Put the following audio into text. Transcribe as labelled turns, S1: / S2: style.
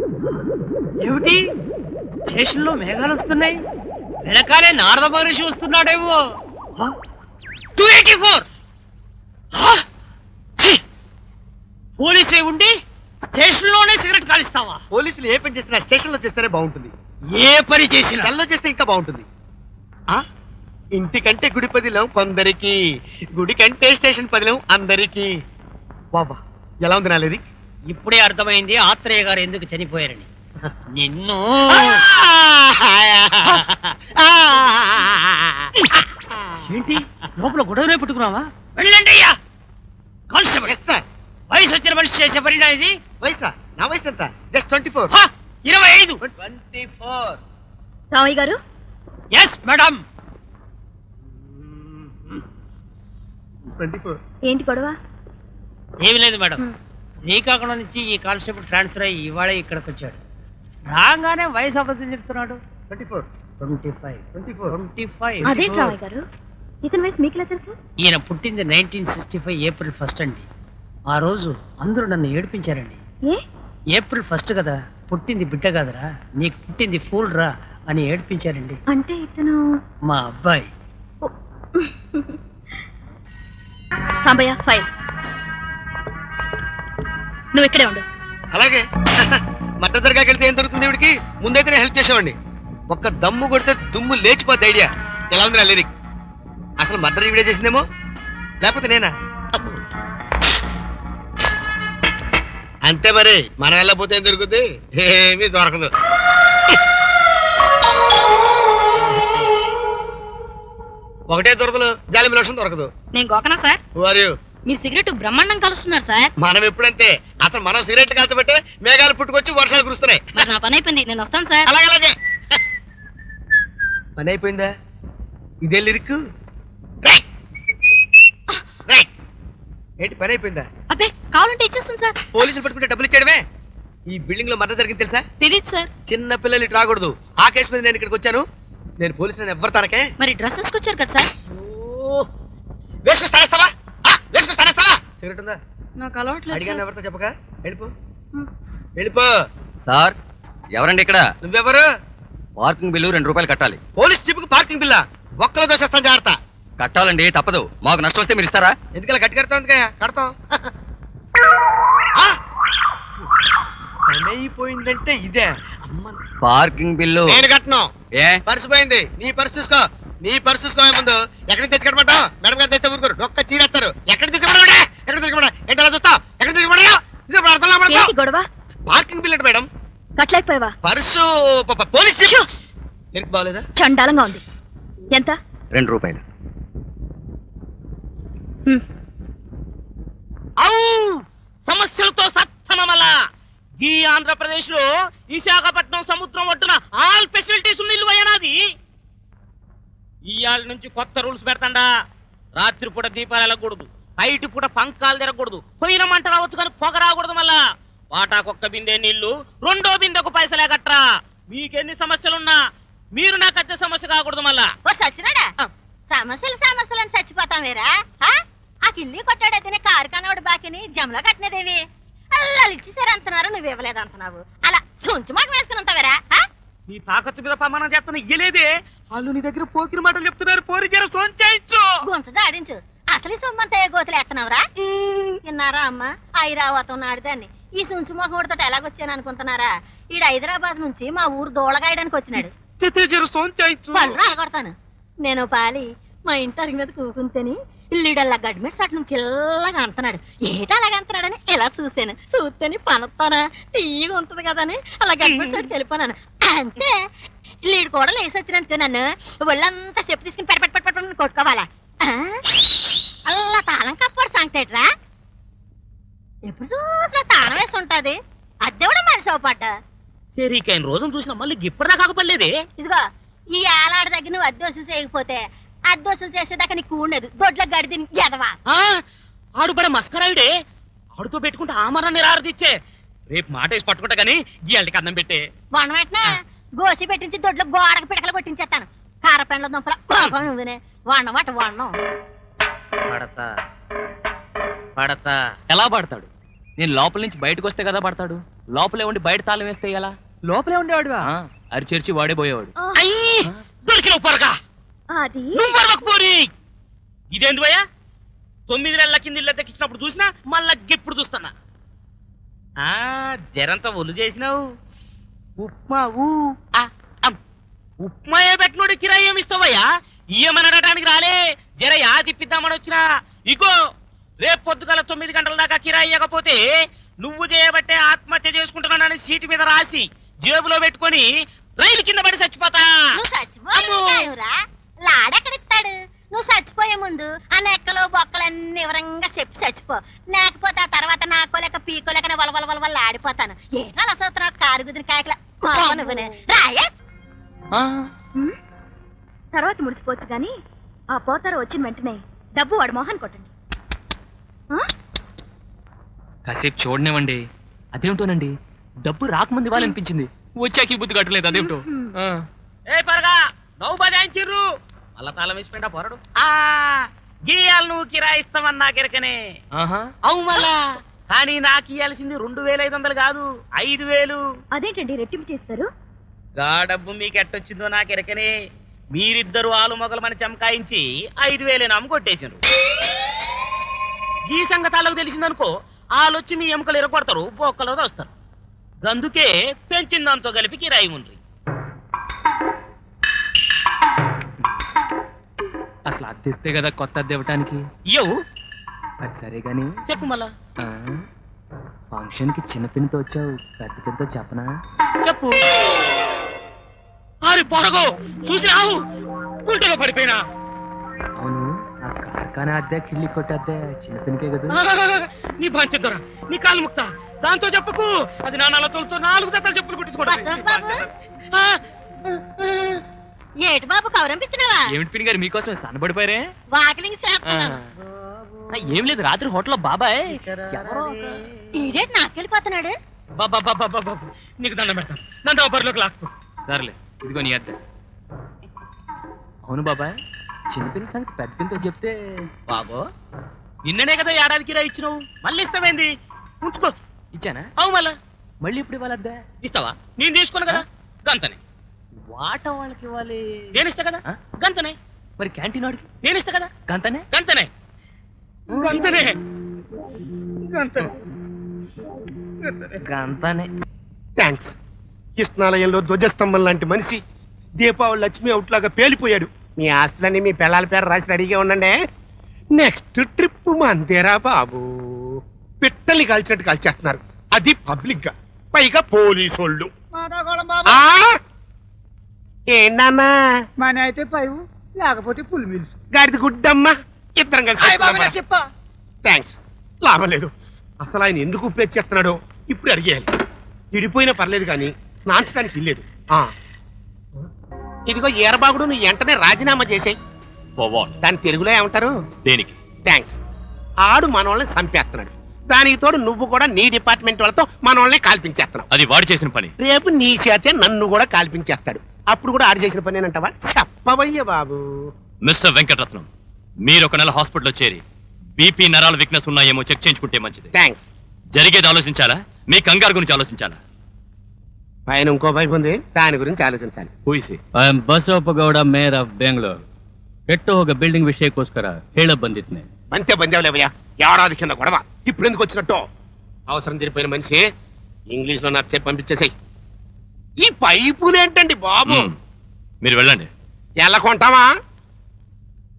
S1: ఏమిటి స్టేషన్ లో మేఘాలు వస్తున్నాయి, వెనకాలే నారద మహర్షి వస్తున్నాడేమో. 284 పోలీసు ఉండి స్టేషన్ లోనే సిగరెట్ కాలిస్తావా?
S2: పోలీసులు ఏ పని చేసినా స్టేషన్ లో చేస్తేనే బాగుంటుంది.
S1: ఏ పని చేసినా
S2: సెల్లో చేస్తే ఇంకా బాగుంటుంది. ఇంటికంటే గుడి పదిలం కొందరికి, గుడి కంటే స్టేషన్ పదిలం అందరికి. బాబా ఎలా ఉంది నాలేది?
S1: ఇప్పుడే అర్థమైంది ఆత్రేయ గారు ఎందుకు చనిపోయారని. నిన్ను ఏంటి లోపల గొడవనే పెట్టుకున్నావా? వెళ్ళండి అయ్యా. కానిస్టేబుల్ వయసు వచ్చిన మనిషి చేసే పరిణా ఇది?
S2: వయసా? నా వయసు ఎంత? జస్ట్ 24.
S1: 25.
S2: 24.
S3: రామయ్య గారు.
S1: Yes madam.
S2: 24.
S3: ఏంటి గొడవ?
S1: ఏమి లేదు మేడం, శ్రీకాకుళం నుంచి ఈ కానిస్టేబుల్ ట్రాన్స్ఫర్ అయ్యి ఇవాళ ఇక్కడికి వచ్చాడు. రాగానే వయసు అబద్ధం చెప్తున్నాడు.
S2: 24.
S1: 25. 25.
S3: అదేంటి రామయ్య గారు, ఇతని వయసు మీకులా తెలుసు?
S1: ఈయన పుట్టింది 1965 ఏప్రిల్ 1 అండి. ఆ రోజు అందరూ నన్ను ఏడిపించారండి. ఏప్రిల్ 1 కదా, పుట్టింది బిడ్డ కదరా, నీకు పుట్టింది ఫూల్ రా అని ఏడిపించారండి.
S3: అంటే ఇతను
S1: మా అబ్బాయి.
S3: సాంబయ్య ఫైల్. నువ్వు ఇక్కడే ఉండు.
S2: అలాగే. మద్దతు దర్గాకి వెళ్తే ఏం దొరుకుతుంది ఇవిడికి? ముందైతే నేను హెల్ప్ చేసేవాడిని. ఒక్క దమ్ము కొడితే దుమ్ము లేచిపోద్ది ఐడియా. ఎలా ఉంది లేదు? అసలు మద్దతు వీడియో చేసిందేమో, లేకపోతే నేనా? అంతే మరి, మనం వెళ్ళకపోతే ఏం దొరుకుతుంది? ఏమీ దొరకదు. ఒకటే దొరకదు, జాలి లోషన్ దొరకదు.
S3: నేను గోకనా సార్? మీరు సిగరెట్ బ్రహ్మాండం కలుస్తున్నారు సార్.
S2: మనం ఎప్పుడంతే, అసలు మనం సిగరెట్ కాల్చబట్టే మేఘాలు పుట్టుకొచ్చి వర్షాలు కురుస్తున్నాయి.
S3: మరి నా పని అయిపోయింది, నేను వస్తాను సార్.
S2: అలాగే. పని అయిపోయిందా? ఇదే లిరిక్. ఏంటి పని అయిపోయిందా?
S3: అబ్బే కావాలంటే ఇచ్చేస్తాను సార్.
S2: పోలీసులు పట్టుకుంటే డబ్బులు ఇచ్చేయడమే. ఈ బిల్డింగ్ లో మద్దతు జరిగింది తెలుసా?
S3: తెలియదు సార్.
S2: చిన్న పిల్లలు ఇటు రాకూడదు. ఆ కేసు మీద నేను ఇక్కడికి వచ్చాను. నేను పోలీసులను ఎవ్వరు తనకే.
S3: మరి డ్రెస్ వేసుకొచ్చారు కదా సార్.
S2: వేసుకొస్తానేస్తావా? సిగరెట్ ఉందా?
S3: నాకు అలవాట్లేదు.
S2: అడిగాను ఎవరితో చెప్పగా. వెళ్ళిపో
S4: సార్. ఎవరండి ఇక్కడ?
S2: నువ్వెవరు?
S4: పార్కింగ్ బిల్లు 2 రూపాయలు కట్టాలి.
S2: పోలీస్ జీప్ కు పార్కింగ్ బిల్లా? ఒక్కలో దోషేస్తాను, జాగ్రత్త.
S4: కట్టాలండి, తప్పదు. మాకు నష్టం వస్తే మీరు ఇస్తారా?
S2: ఎందుకలా గట్టి కడతాం? కడతాం. పని అయిపోయిందంటే ఇదే.
S4: పార్కింగ్ బిల్లు
S2: నేను కట్టను.
S4: ఏ
S2: పర్సు పోయింది, నీ పర్సు చూసుకో. నీ పర్సు చూసుకో. ముందు ఎక్కడికి తెచ్చి కట్టమంటావు? మేడం గారు తెస్తే ఊరుకోరు, ఒక్క చీరేస్తారు. ఎక్కడ తెచ్చుకోమంటా? ఎక్కడ తెచ్చుకోమంటా? ఏంటి అలా చూస్తావు? ఎక్కడ తెచ్చుకోమంటా?
S3: గొడవ
S2: పార్కింగ్ బిల్ అంటే మేడం.
S3: కట్టలేకపోయావా?
S2: Purse police jeep. నీకు బాగలేదా?
S3: చండాలంగా ఉంది. ఎంత?
S4: 2 రూపాయలు.
S1: సమస్యలతో సత్తనమల ఈ ఆంధ్రప్రదేశ్ లో విశాఖపట్నం సముద్రం ఒడ్డున ఆల్ ఫెసిలిటీస్ ఉన్న ఇల్లు అయ్యనాది. ఇవాళ నుంచి కొత్త రూల్స్ పెడతాండా. రాత్రి పూట దీపాలు వెళ్ళకూడదు, బయట పూట పంకాలు తిరగకూడదు, పోయిన మంట రావచ్చు కానీ పొగ రాకూడదు. మళ్ళా వాటాకొక్క బిందె నీళ్లు, 2వ బిందెకు పైసలే కట్టరా. మీకెన్ని సమస్యలున్నా మీరు నాకు వచ్చే సమస్య కాకూడదు. మళ్ళా
S3: సచ్చినాడా? సమస్యలు అని చచ్చిపోతాం వేరా? ఆ కిల్లి కొట్టాడైతేనే కారు కనవాడు బాకిని జమలో కట్టినదేవి. అలా ఇచ్చేసారు అంటున్నారు, నువ్వు ఇవ్వలేదు అంటున్నావు. అలా సొంచు మాట వేసుకుని ఉంటావేరా?
S1: నీ తాకత్తు మీద ప్రమాణం చేస్తున్నా ఇయ్యలేదే. వాళ్ళు నీ దగ్గర పోకిరి మాటలు చెప్తున్నారు. పోరి జర సోంచాయించు,
S3: గొంతు జాడించు. అసలు ఈ సొమ్మంతా ఏ గోతులు ఎత్తనవరా? విన్నారా అమ్మ? ఐరావతం నాడుదాన్ని ఈ సుంచు మొహముడితో ఎలాగొచ్చాను అనుకుంటున్నారా? ఈడు హైదరాబాద్ నుంచి మా ఊరు దూళగాయడానికి వచ్చినాడు. పళ్ళు రాలగొడతాను. నేను పాలి మా ఇంటి అరిగి మీద కూకుంటేని ఇల్లుడల్లా గడ్మెట్స్ అటు నుంచి ఇల్లగా అంటున్నాడు. ఏట అలాగ అంటున్నాడని ఇలా చూశాను. చూస్తేని పనొత్తానా తీయగా ఉంటుంది కదని అలా గడ్మెట్స్ అటు వెళ్ళిపోనాను. అంతే లీడు కూడా లేసి వచ్చినందుకు నన్ను ఒళ్ళంతా చెప్పు తీసుకుని పెట్టి కొట్టుకోవాలా? అలా తాళం కప్పడు సంగతేట్రా. ఎప్పుడు చూసినా తాళం వేసి ఉంటది. అద్దె కూడా మరిసోపడ్డ
S1: సరికైన రోజును చూసిన మళ్ళీ ఇప్పటిదా కాకపోలేదే.
S3: ఇదిగో ఈ ఏలాడి దగ్గర నువ్వు అద్దె వసూలు చేయకపోతే అద్దె వసూలు చేసేదాకా నీకు ఉండదు. దొడ్ల గడిది ఎదవా.
S1: ఆడు బడ మస్కరాయుడే. ఆడుతో పెట్టుకుంటే ఆమరాన్ని రారదిచ్చే. రేపు మాట వేసి పట్టుకుంటా గానీ గీయాలకి అన్నం పెట్టే.
S3: వన పెట్టినా గోసి పెట్టించి దొడ్లో గోడకు పిడకలు కొట్టించేస్తాను. కారపెండ్ల దుంపల నువ్వునే వాడినమాట వాడను.
S1: పడతా ఎలా పడతాడు?
S5: నేను లోపల నుంచి బయటకు వస్తే కదా పడతాడు. లోపలే ఉండి బయట తాళం వేస్తే ఎలా?
S6: లోపలే ఉండేవాడువా?
S5: అరిచేర్చి వాడే పోయేవాడు.
S1: అయ్యి దొరికిన పొరగా
S3: అది
S1: నువ్వు పరవకపోరి. ఇదేంది భయ్యా? 9 నెలల కింద ఇల్లు దక్కించినప్పుడు చూసినా మళ్ళా ఇప్పుడు చూస్తున్నా. జరంతా ఒళ్ళు చేసినావు. ఉప్మా ఉప్మా ఏ పెట్టినోడు కిరాయి ఏమి ఇస్తావయ్యా? ఇయ్యమనడానికి రాలే, జర యా తిప్పిద్దామని వచ్చినా. ఇగో రేపు పొద్దుగల 9 గంటల దాకా కిరాయి ఇవ్వకపోతే నువ్వు చేయబట్టే ఆత్మహత్య చేసుకుంటున్నానని సీటు మీద రాసి జేబులో పెట్టుకొని రైలు కింద పడి చచ్చిపోతా.
S3: నువ్వు చచ్చిపోయావురా, లాడెక్కడిస్తాడు? నువ్వు చచ్చిపోయే ముందు ఆ నెక్కలు బొక్కలన్నీ వివరంగా చెప్పి చచ్చిపో. లేకపోతే ఆ తర్వాత నాకోలేక పీకోలేకనే వల్ల ఆడిపోతాను. ఏటా అసలు కారు గుదిన కాయకల నువ్వునే రాయే.
S7: తర్వాత ముడిచిపోవచ్చు గాని ఆ పోతారు వచ్చిన వెంటనే డబ్బు వాడు మోహన్ కొట్టండి.
S5: కాసేపు చూడనివ్వండి. అదేమిటోనండి, డబ్బు రాకముందు ఇవ్వాలనిపించింది, వచ్చాక ఈ బుద్ధి కట్టలేదు. అదేమిటో.
S1: ఏ పరగా నవ్వు బదాయించిర్రు మళ్ళా తాళం వేసిపోయినా పొరడు. గీయాలు నువ్వు కిరాయిస్తామని నాకెరకనే. అవు మళ్ళా కానీ నాకు ఇయ్యాల్సింది 2500 కాదు, 5000.
S7: అదేంటండి రెట్టింపు చేస్తారు?
S1: గా డబ్బు మీకు ఎట్టొచ్చిందో నాకెరకనే. మీరిద్దరు ఆలు మొగలమని చమకాయించి 5000 అమ్ము కొట్టేసిండ్రు. ఈ సంగతాలకు తెలిసిందనుకో ఆలొచ్చి మీ ఎముకలు ఎరగొడతారు, బొక్కలో వస్తారు. అందుకే పెంచిన దాంతో కలిపి కిరాయి ఉండ్రి.
S5: అసలు అద్దెస్తే కదా కొత్త అద్దె ఇవ్వటానికి.
S1: ఇయ్యవు
S5: అది సరే గాని
S1: చెప్పు మళ్ళా.
S5: ఫంక్షన్ కి చిన్న పిన్నితో వచ్చావు, పెద్ద పిన్నితో చెప్పనా?
S1: చెప్పు. అరే పొరగో చూసి రావు ఉల్టగా పడిపోయినా.
S5: అవును, ఆ కార్ఖానా అద్దె కిళ్ళి కొట్టద్దే చిన్న పిన్నికే కదా.
S1: నీ పంచదొర నీ కాలు ముక్త దాంతో చెప్పకు. అది నా నలతోలతో 4 జతలు చెప్పులు
S3: అశోక్ బాబు.
S1: కుట్టించుకోవడం.
S3: ఏటి బాబు కౌరంపించినావా?
S5: ఏమిటి పిన్ని గారు మీకోసమే సన్నబడిపోయారే?
S3: వాకిలింగ్ చేస్తున్నాను.
S5: ఏం లేదు, రాత్రి హోటల్లో బాబాయ్ ఎవరో
S3: ఈడేటి నాకెళ్ళిపోతున్నాడు.
S1: బాబా నీకు దండం పెడతాను, నన్ను బరిలోకి లాక్కు.
S5: సర్లే, ఇదిగో నీ అద్దె. అవును బాబాయ్, చిన్న పిన్ని సంగతి పెద్ద పిన్నితో చెప్తే.
S1: బాబో నిన్ననే కదా ఏడాదికి రా ఇచ్చినావు, మళ్ళీ ఇస్తావేంది? ఉంచుకో.
S5: ఇచ్చానా?
S1: అవు మళ్ళా
S5: మళ్ళీ ఇప్పుడు ఇవ్వాలి అద్దె?
S1: ఇస్తావా? నేను తీసుకున్నా కదా గంతనే.
S5: వాట వాళ్ళకి ఇవ్వాలి.
S1: నేను ఇస్తా కదా గంతనే.
S5: మరి క్యాంటీన్ వాడికి
S1: నేను ఇస్తా కదా
S5: గంతనే.
S1: గంతనే గంతనే గంతనే
S5: గంతనే.
S8: థ్యాంక్స్. కృష్ణాలయంలో ధ్వజస్తంభం లాంటి మనిషి దీపావళి లక్ష్మి అవుట్లాగా పేలిపోయాడు. మీ ఆస్తులన్నీ మీ పిల్లల పేరు రాసి రెడీగా ఉండండి. నెక్స్ట్ ట్రిప్ మందేరా బాబు. పిట్టల్ని కాల్చినట్టు కాల్చేస్తున్నారు, అది పబ్లిక్ గా, పైగా పోలీసోళ్ళు. ఏంటమ్మా
S6: మన అయితే పైవు లేకపోతే పులి మిల్స్.
S8: గాడిది గుడ్డమ్మా, ఇద్దరం కలిసి. థ్యాంక్స్. లాభం లేదు. అసలు ఆయన ఎందుకు ఉపయోగించేస్తున్నాడో ఇప్పుడు అడిగేయాలి. విడిపోయినా పర్లేదు కానీ స్నాంచడానికి ఇల్లేదు. ఇదిగో ఈరబాగుడు, నువ్వు వెంటనే రాజీనామా చేసేయి. దాని తెలుగులో ఏమంటారు?
S9: దేనికి?
S8: థ్యాంక్స్. ఆడు మనోళ్ళని చంపేస్తున్నాడు, దానికి తోడు నువ్వు కూడా నీ డిపార్ట్మెంట్ వాళ్ళతో మనోళ్ళని కాల్పించేస్తున్నావు.
S9: అది వాడు చేసిన పని.
S8: రేపు నీ చేతే నన్ను కూడా కాల్పించేస్తాడు, అప్పుడు కూడా ఆడు చేసిన పని అంటావా? చెప్పవయ్య బాబు.
S9: మిస్టర్ వెంకటరత్నం, మీరు ఒక నెల హాస్పిటల్లో చేరి బీపీ నరాల వీక్నెస్ ఉన్నాయేమో చెక్ చేయించుకుంటే మంచిది.
S8: థ్యాంక్స్.
S9: జరిగేది ఆలోచించాలా, మీ కంగారు గురించి ఆలోచించాలా?
S8: పైన ఇంకో వైపు ఉంది, దాని గురించి ಆಲೋಚಿಸಲಿ.
S10: I Basavappagowda mayor of Bengaluru. ಕೆಟ್ಟು ಹೋಗ ಬಿಲ್ಡಿಂಗ್ ವಿಷಯಕ್ಕೋಸ್ಕರ ಹೇಳ ಬಂದಿದ್ನೆ.
S8: అంతే బందేవులేవయ్యా, ఏడాది కింద గొడవ ఇప్పుడు ఎందుకు వచ్చినట్టు? అవసరం తీరిపోయిన మనిషి ఇంగ్లీష్ లో నాకు చెప్పి పంపించేసాయి. ఈ పైపులేంటండి బాబు?
S9: మీరు వెళ్ళండి.
S8: ఎలా కొంటావా?